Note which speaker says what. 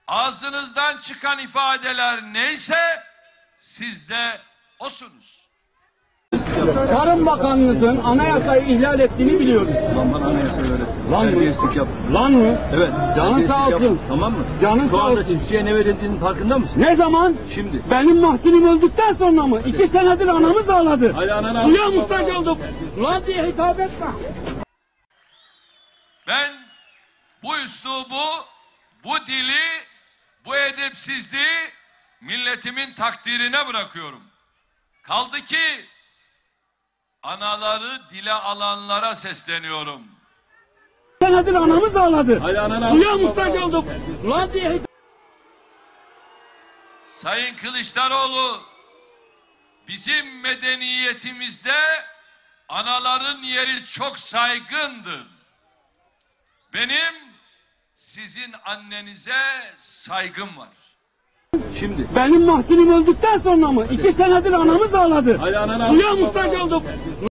Speaker 1: ağzınızdan çıkan ifadeler neyse siz de osunuz.
Speaker 2: Tarım Bakanlığı'nın anayasayı ihlal ettiğini biliyoruz.
Speaker 3: Lan bana anayasa öğret.
Speaker 2: Lan mı?
Speaker 3: Terbiyesizlik yap.
Speaker 2: Lan mı?
Speaker 3: Evet.
Speaker 2: Canın sağ olsun.
Speaker 3: Yapma, tamam mı?
Speaker 2: Canın
Speaker 3: Şu
Speaker 2: sağ
Speaker 3: anda
Speaker 2: olsun.
Speaker 3: çiftçiye ne verildiğinin farkında mısın?
Speaker 2: Ne zaman?
Speaker 3: Şimdi.
Speaker 2: Benim mahsulüm öldükten sonra mı? 2 senedir anamız ağladı.
Speaker 3: Hadi ananı
Speaker 2: Suya
Speaker 3: al.
Speaker 2: muhtaç olduk. Lan diye hitap etme.
Speaker 1: Ben bu üslubu, bu dili, bu edepsizliği milletimin takdirine bırakıyorum. Kaldı ki anaları dile alanlara sesleniyorum.
Speaker 2: 2 senedir anamız ağladı.
Speaker 3: Hadi ananı al.
Speaker 2: Suya muhtaç olduk. Lan diye hitap
Speaker 1: Sayın Kılıçdaroğlu, bizim medeniyetimizde anaların yeri çok saygındır. Benim sizin annenize saygım var.
Speaker 3: Şimdi.
Speaker 2: Benim mahsulüm öldükten sonra mı? 2 senedir anamız ağladı.
Speaker 3: Hadi ananı al.
Speaker 2: Suya muhtaç olduk.